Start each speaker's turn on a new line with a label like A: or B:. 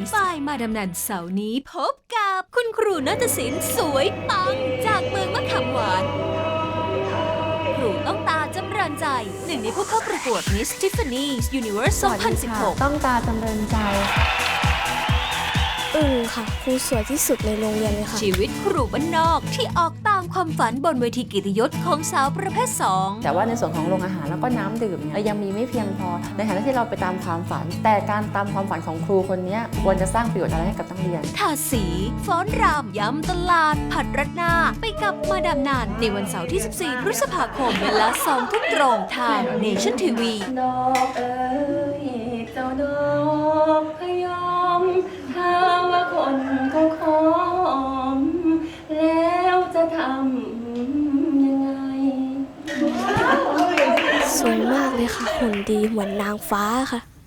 A: ฝ่ายมาดำนันเสาร์นี้พบกับคุณครูนาฏศิลป์สวยปังจากเมืองมะขามหวานครูต้องตาจำเริญใจหนึ่งในผู้เข้าประกวด Miss Tiffany's Universe 2016
B: ต้องตาจำเริญใจ
C: ค่ะครูสวยที่สุดในโรงเรียนเลยค่ะ
A: ชีวิตครูบ้านนอกที่ออกตามความฝันบนเวทีเกียรติยศของสาวประเภท2
B: แต่ว่าในส่วนของโรงอาหารแล้วก็น้ำดื่มเนี่ยยังมีไม่เพียงพอในฐานะที่เราไปตามความฝันแต่การตามความฝันของครูคนนี้ควรจะสร้างประโยชน์อะไรให้กับนักเรียน
A: ทาสีฟ้อนรำยำตลาดผัดรัดหน้าไปกับมาดามนานในวันเสาร์ที่ 14 พฤษภาคมเวลา 2 ทุ่มตรงทาง Nation TV
B: ดอกเอ๋ยเจ้าดอกพยอมถ้าว่าคนเขาขอมแล้วจะทำยังไง
C: สวยมากเลยค่ะหุ่นดีเหมือนนางฟ้าค่ะ